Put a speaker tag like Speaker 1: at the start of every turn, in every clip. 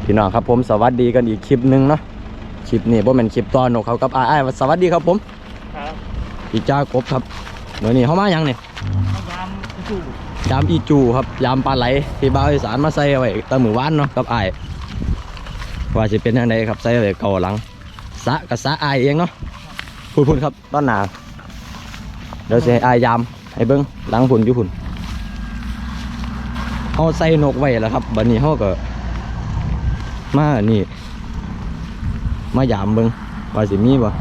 Speaker 1: พี่น้องครับผมสวัสดีกันอีกคลิปหนึ่งเนาะคลิปนี้ผมเป็นคลิปตอนนกเขากับอ้ายสวัสดีครับผม
Speaker 2: ครับ
Speaker 1: อีจ้ากบครับเดี๋ยวนี้เขามายังเนี่ยยามอีจูครับยามปลาไหลที่บ่าวอีสานมาใส่ไว้ตะมือว่านเนาะกับอ้ายว่าจะเป็นยังไงครับใส่ไว้เก่าหลังสะกับสะอ้ายเองเนาะพูดครับต้นหนาเดี๋ยวจะให้อ้ายยามให้เบิ้งหลังพุ่นอยู่พุ่นเขาใส่นกไว้แล้วครับบัดนี้เขาก็มานี่มายามเบิ้งว่าสิมีบ่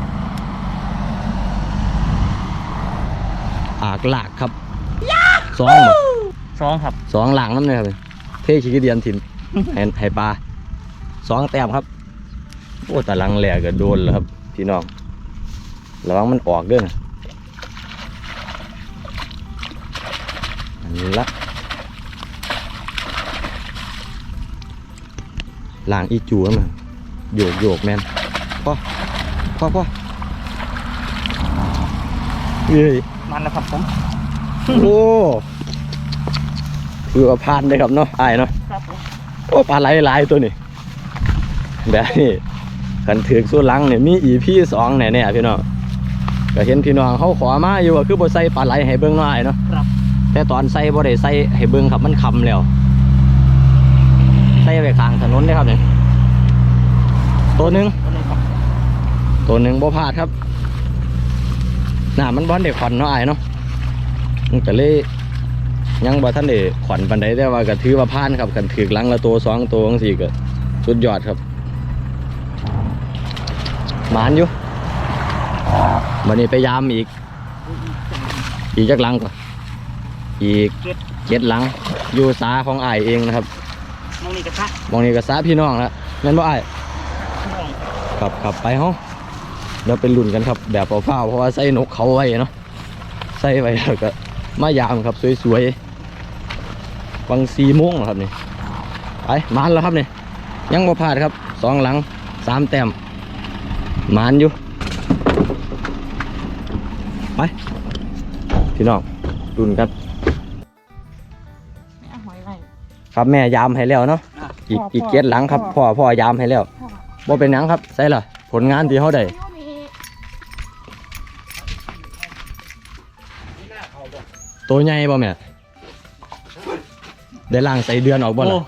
Speaker 1: อากลากครับสองบ่
Speaker 2: ครับ
Speaker 1: สองหลังนั่นเลยครับเท่ขี้เดียนถิ่นให้ปลาสองแต้มครับโอ้แต่หลังแหลกก็โดนแล้วครับพี่น้องระวังมันออกด้วยนะอันนี้ละหลังอีจูมันโยกแมนพ่อเฮ้ย
Speaker 2: มันแล้วครับผม
Speaker 1: โอ้คือว่าพานเลยครับเนาะไอ้เนาะ
Speaker 2: ครับผม
Speaker 1: โอ้ปลาไหลตัวนี้แบบนี้กันถือสู้ลังเนี่ยมีEP2เนี่ยพี่น้องก็เห็นพี่น้องเขาขอมาอยู่ว่าคือบ่ใส่ปลาไหลให้เบิ่งหน่อยเนาะแต่ตอนใส่บ่ได้ใส่ให้เบิ่งครับมันคำแล้วใส่ไปข้างถนนเลยครับเนี่ยตัวหนึ่งบ่พลาดครับน่ามันบอลเด็กขวัญเนาะไอ้เนาะมันก็เลยยังบ่ท่านเด็กขวัญปันใดแต่ว่าก็ถือว่าพลาดครับกันถือลังละตัว2ตัวจังซี่ก็สุดยอดครับหมานอยู่วันนี้ไปยามอีกจักลังก่อนอีก7ลังอยู่สาของอ้ายเองนะครับ
Speaker 2: มองนี่ก
Speaker 1: ระซะพี่น้องละงั้นบ่อ้ายขับไปห้องเดี๋ยวเป็นรุ่นกันครับแบบเฝ้าเพราะว่าใส่นกเขาไว้เนาะใส่ไว้แล้วก็มายามครับสวยๆวัง4 โมงครับนี่ไปมานแล้วครับนี่ยังบ่พลาดครับ2หลัง3แต้มมานอยู่ไปพี่น้องรุ่นกันครับแม่ยามให้แล้วเนาะอีก7หลังครับพ่อยามให้แล้วบ่เป็นหยังครับใส่ละผลงานที่เขาได้ตัวใหญ่บ่แม่ได้ล่างใส่เดือนออกบ่ล่ะ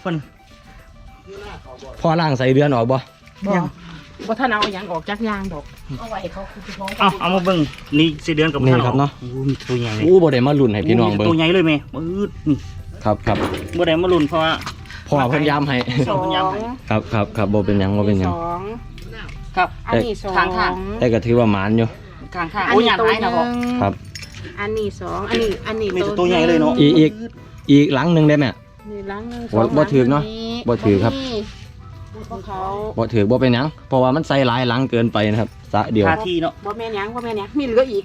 Speaker 1: พ่อล่างใส่เดือนออกบ่
Speaker 3: บ่ท่านเอาอย่างออกจากยางดอกเอาไว้เขาคือน้อง
Speaker 2: เอามาเบิ่งนี่สิเดือนกับ
Speaker 1: นี่ครับเนาะ
Speaker 2: มีตัวใหญ่
Speaker 1: บ่ได้มาลุ้นให้พี่น้องเบิ่ง
Speaker 2: ตัวใหญ่เลยแม่มืดนี่
Speaker 1: ครับ
Speaker 2: บ่ได้มาลุ้นเพราะว่า
Speaker 1: พ่อเพิ่นย้ำให้ครับบ่เป็นหยัง
Speaker 2: ครับ
Speaker 3: อันนี้2
Speaker 1: แต่ก็ถือว่าหมานอยู่
Speaker 2: ข้างๆโอ้ยหยาดไหนนะพ่อ
Speaker 1: ครับ
Speaker 3: อันนี้2อันนี้
Speaker 2: มีตัวใหญ่เลยเนาะ
Speaker 1: อีกหลังนึงได้แม่
Speaker 3: นี่หลังนึง
Speaker 1: บ่ถือเนาะบ่ถือครับบ่ถือบ่เป็นหยังเพราะว่ามันใส่หลายหลังเกินไปนะครับสะเดียว
Speaker 2: ที่เนาะ
Speaker 3: บ่แม่นหยังมีเหลืออีก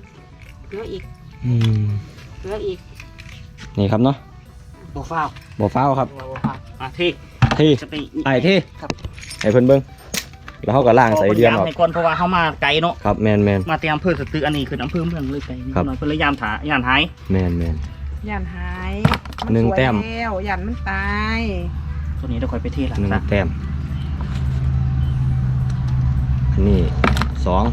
Speaker 1: นี่ครับเนาะ
Speaker 2: บ่ฟ้าว
Speaker 1: ครับ
Speaker 2: ที่
Speaker 1: ไอ้ที่ให้เพิ่นเบิ่งแล้วเขาก็ล่างใส่เดือนออก
Speaker 2: ก่อนเพราะว่าเขามาไกลเนาะ
Speaker 1: ครับแมน
Speaker 2: มาเตรียมอำเภอสตึกอันนี้คืออำเภอเมืองเลยไกลนิดหน่อยเพื่อยามหาย
Speaker 1: แมน
Speaker 3: ย่านหาย
Speaker 1: 1 แต้ม
Speaker 3: แล้วย่านมันตาย
Speaker 2: ตัวนี้เดี๋ยวค่อยไปเทหลัง
Speaker 1: 1 แต้มอันนี้2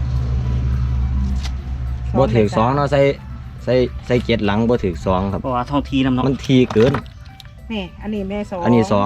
Speaker 1: บ่ถึง2เนาะใส่7หลังบ่ถึง2ครับ
Speaker 2: เพราะว่าท้องทีน้ำเนาะ
Speaker 1: มันทีเกิน
Speaker 3: นี่อันนี้แม่2
Speaker 1: อันนี้2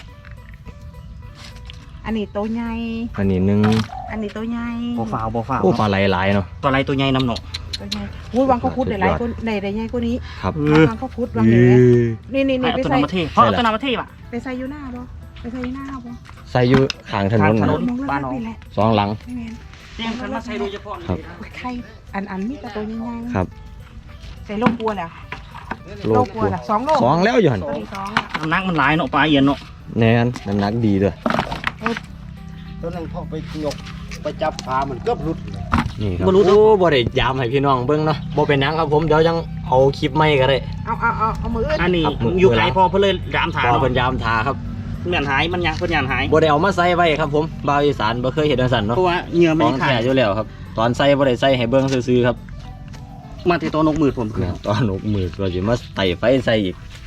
Speaker 3: อันนี้ตัวใหญ่
Speaker 1: อันนี้1
Speaker 3: อันนี้ตัวใหญ่
Speaker 2: บ่ฟ้าว
Speaker 1: โอ้ปลาไหลๆเนาะ
Speaker 2: ปลาไหลตัวใหญ่น้ำเนาะ
Speaker 3: ตัวใหญ่วังเขาคุดได้หลายคนได้ใหญ่กว่านี้
Speaker 1: ครับ
Speaker 3: วังเขาคุดวังนี่ไปใส่
Speaker 2: เพราะตัวน้ำประเทศป่ะ
Speaker 3: ไปใส่อยู่หน้าบ่
Speaker 1: ใส่อยู่ข้างถนน
Speaker 2: บ้านน้อง
Speaker 1: 2หลัง
Speaker 2: เตรียมกันมาใส่โดยเฉพาะ
Speaker 3: ไข่อันมีแต่ตัวใหญ่
Speaker 1: ๆครับ
Speaker 3: ใส่โลกลัวแล้วโลกลัวล่ะ2 โล
Speaker 1: 2แล้วอยู่หั่น
Speaker 2: น้ำหนักมันหลายเนาะปลาเย็นเนาะ
Speaker 1: แน่นน้ำหนักดีด้วย
Speaker 4: ตัวนั้นพอไปยกไปจับปลามันเกือบหลุด
Speaker 1: นี่ครับบ่ได้ยามให้พี่น้องเบิ่งเนาะบ่เป็นหยังครับผมเดี๋ยวยังเอาคลิปใหม่ก็ได้
Speaker 3: เอามือ
Speaker 2: อันนี้อยู่ไกลพอเพิ่นเลยยามถา
Speaker 1: เพิ่นยามถาครับ
Speaker 2: เหมือนหายมันยังเพิ่นยามหาย
Speaker 1: บ่ได้เอามาใส่ไว้ครับผมบ่าวอีสานบ่เคยเฮ็ดจังซั่นเนาะ
Speaker 2: เพราะว่าเหงื่อมันขาด
Speaker 1: อยู่แล้วครับตอนใส่บ่ได้ใส่ให้เบิ่งซื่อๆครับ
Speaker 2: มาที่ตัวนกมือผม
Speaker 1: ตอนนกมือก็สิมาไต่ไฟใส่อีก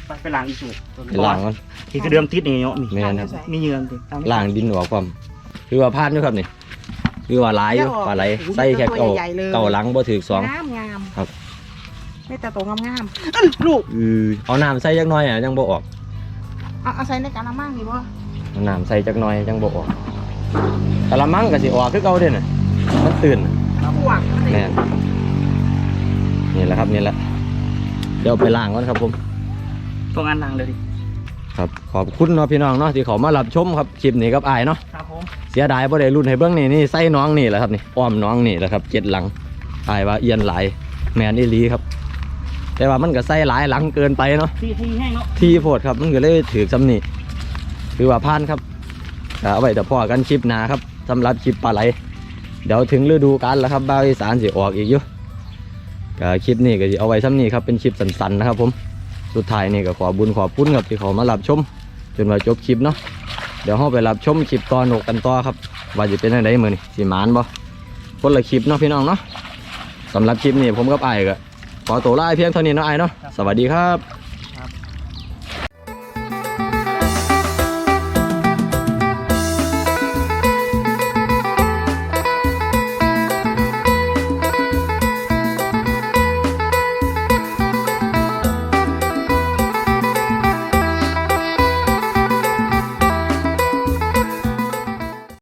Speaker 2: ไปล้างอีกสูบ
Speaker 1: ไปล้างมัน
Speaker 2: ที่กระเดื่องติดนี่เนาะนี่
Speaker 1: แม่นครับ
Speaker 2: มีเหยื่อติด
Speaker 1: ล้างดินออกความคือว่าพลาดอยู่ครับนี่คือว่าหลายอยู่ปลาไหลใส่แค่เก่าหลังบ่ถึกสอง
Speaker 3: งามงาม
Speaker 1: ครับ
Speaker 3: ไม่แต่ตัวงามงามลูก
Speaker 1: เอาน้ำใส่จักหน่อยอ่ะยังบ่ออก
Speaker 3: เอาใส่ในกะละมังนี่บ่
Speaker 1: เอาน้ำใส่จักหน่อยยังบ่ออกกะละมังก็สิออกคือเก่าเด้น่ะมันตื่น
Speaker 3: พวก
Speaker 1: แม่นนี่แหละครับนี่แหละเดี๋ยวไปล้างก่อนครับผม
Speaker 2: ตรงอันล้างเลยดิ
Speaker 1: ครับขอบคุณเนาะพี่น้องเนาะที่เขามารับชมครับคลิปนี้กับอ้ายเนาะ
Speaker 2: ครับผม
Speaker 1: เสียดายบ่ได้รุ่นให้เบิ่งนี่ใส่น้องนี่แหละครับนี่อ้อมน้องนี่แหละครับ7หลังอ้ายว่าเอียนหลายแม่นอีหลีครับ แต่ว่ามันก็ใส่หลายหลังเกินไปเนาะ
Speaker 2: ที่แห้งเนาะ
Speaker 1: ที่โพดครับมันก็เลยถือซ้ำนี่คือว่าพานครับเอาไว้แต่พ่อกันคลิปหน้าครับสำหรับคลิปปลาไหลเดี๋ยวถึงฤดูกาลแล้วครับบ่าวอีสานสิออกอีกอยู่ก็คลิปนี้ก็สิเอาไว้ซ้ำนี่ครับเป็นคลิปสั้นๆนะครับผมสุดท้ายนี่ก็ขอบุญขอบคุณครับที่เขามารับชมจนว่าจบคลิปเนาะเดี๋ยวเราไปรับชมคลิปต่อนกกันต่อครับว่าจะเป็นยังไงมื้อนี้สิหมานบ่คนละคลิปเนาะพี่น้องเนาะสำหรับคลิปนี้ผมกับอ้ายก็ขอตัวลาเพียงเท่านี้เนาะอ้ายเนาะสวัสดีครับ